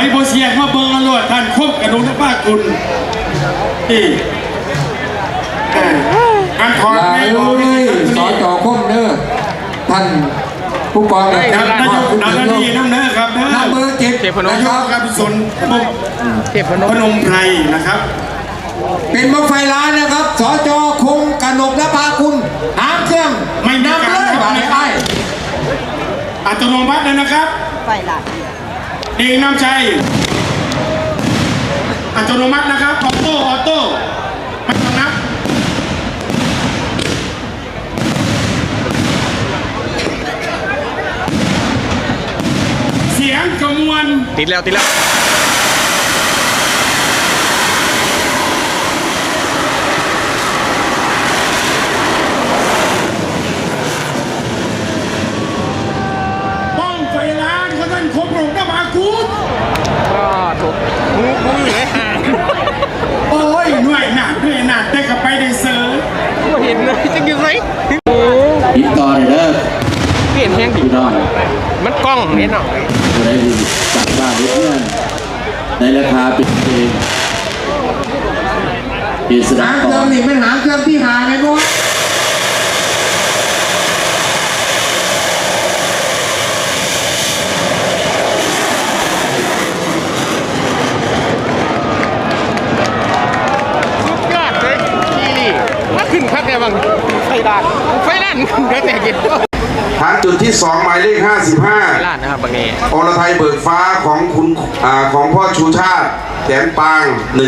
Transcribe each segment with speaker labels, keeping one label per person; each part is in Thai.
Speaker 1: โบเซียมาเบิ้งอรวดท่านคบกระดูกป้าคุณนี่การถอดไม่ออก
Speaker 2: สจคมเนอท่านผู้กองนายก
Speaker 1: น้ำเนื้อครับ
Speaker 2: น้ำเบอร์7
Speaker 1: นายกครับพิศนพนมไพรนะครับ
Speaker 2: เป็นบั้งไฟล้านนะครับสจคงกนกและพาคุณหางเครื่อง
Speaker 1: ไม่นับเลย
Speaker 2: บาดได้
Speaker 1: อัตโนมัติเลยนะครับ
Speaker 3: ไฟล้าน
Speaker 1: เองน้ำใจอัตโนมัตินะครับออโต้ไม่ต้องนับเสียงกระมวล
Speaker 4: ติดแล้ว
Speaker 1: บ้องไฟล้านเขาท่านครบรองน้ำมากูด
Speaker 4: ก็ถูกงูอยู่ในห่าง
Speaker 1: โอ้ยหน่วยหนักได้กับไปได้เซอร์
Speaker 4: เห็นเลยจะกินไร
Speaker 2: ติดต่อเลยเด้อ
Speaker 4: เปลี่ยนแห้งดี
Speaker 2: น้อย
Speaker 4: มันกล้องเห็นหน่อย
Speaker 2: จะได้จัดบ้านเพื่อนในราคาเป็นเองหางเครื่องนี่เป็นหางเครื่องที่หาไงพวก
Speaker 4: สุดยอดเลยนี่ว่าขึ้นคักแน่บ้างไฟด้านขึ้นคักแน่กิน
Speaker 5: ฐานจุดที่2หมายเลข55
Speaker 4: ล้านนะครับบางนี้
Speaker 5: อรไทยเบิกฟ้าของคุณของพ่อชูชาติแสนปาง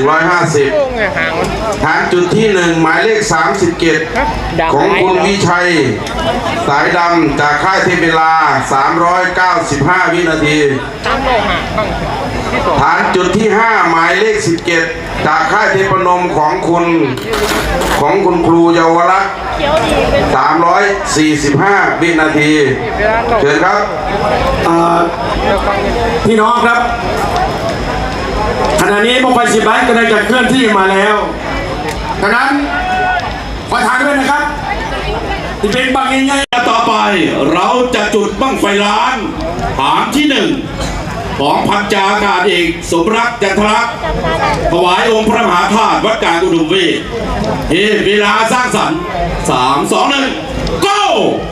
Speaker 5: 150ฐานจุดที่1หมายเลข37ของคุณวิชัยสายดำจากค่ายเทพเวลา395 วินาทีฐานจุดที่5หมายเลข17จากค่ายเทพนมของคุณครูเยาวรักษ์345 วินาทีเชิญครับ
Speaker 1: พี่น้องครับขณะนี้บั้งไฟ10 ล้านกำลังจะเคลื่อนที่มาแล้วดังนั้นขอทานด้วยนะครับที่เป็นบังง่ายๆ
Speaker 6: ต่อไปเราจะจุดบั้งไฟล้านฐานที่1ของพันจาอากาศเอกสมรักจันทรักษ์ถวายองค์พระมหาธาตุวัดกลางอุดมเวทเวลาสร้างสรรค์3 2 1 go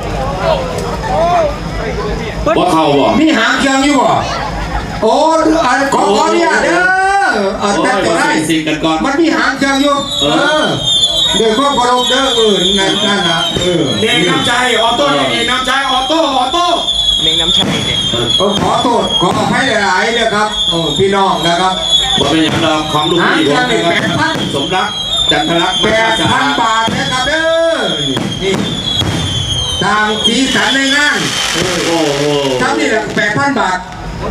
Speaker 6: ว่าเข้าบ่
Speaker 2: มีหางเครื่องอยู่บ่โอ้ขอเนี่ยเด้อแต่ตัวได้มันมีหางเครื่องอยู่เดี๋ยวข้อพลบเด้อนั่นนะ
Speaker 1: เด็กน้ำใจออโต้เด็กน้ำใจออโต้
Speaker 4: เลี้ยงน้ำชัยเนี่ย
Speaker 2: ขอโทษขอให้หลายๆเลยครับพี่น้องนะครับ
Speaker 6: ว่าเป็นอย่างเราของลุงพี่ผมนะครับสมรักจันทรักษ์
Speaker 2: 8,000 บาทนะครับเด้อนี่ตามสีสันในงาน
Speaker 6: โอ้โห
Speaker 2: ทั้งนี่แหละ 8,000 บาท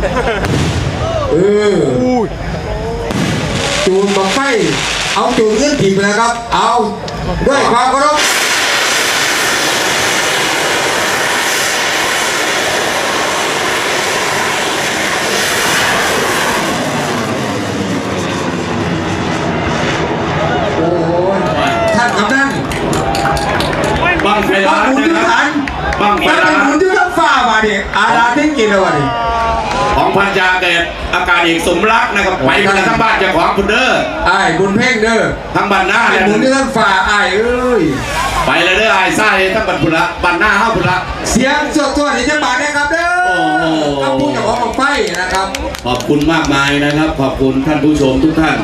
Speaker 2: จูนบังไฟเอาจูนเงื่อนผิดเลยครับเอาด้วยความเคารพท่านกำนัน
Speaker 6: บังไฟล้านนะครับบังไฟล้าน
Speaker 2: หมุนที่ต้องฝ่ามาดิอาราทิ้งกินเลยวะดิ
Speaker 6: ของพันจาอากาศเอกสมรักนะครับไปกันทั้งบ้านเจ้าของคุณเด้อ
Speaker 2: ไอ้บุญเพ่งเด้อ
Speaker 6: ทั้งบ้านหน้า
Speaker 2: หมุนที่ต้องฝ่าไอ้
Speaker 6: ไปเลยเด้อไอ้ไส้ทั้งบ้านคุณละบ้านหน้าห้าคุณละ
Speaker 2: เสียงสดตัวนี้จะบาดนะครับเด้อขอบคุณเจ้าของไฟนะครับ
Speaker 6: ขอบคุณมากมายนะครับขอบคุณท่านผู้ชมทุกท่าน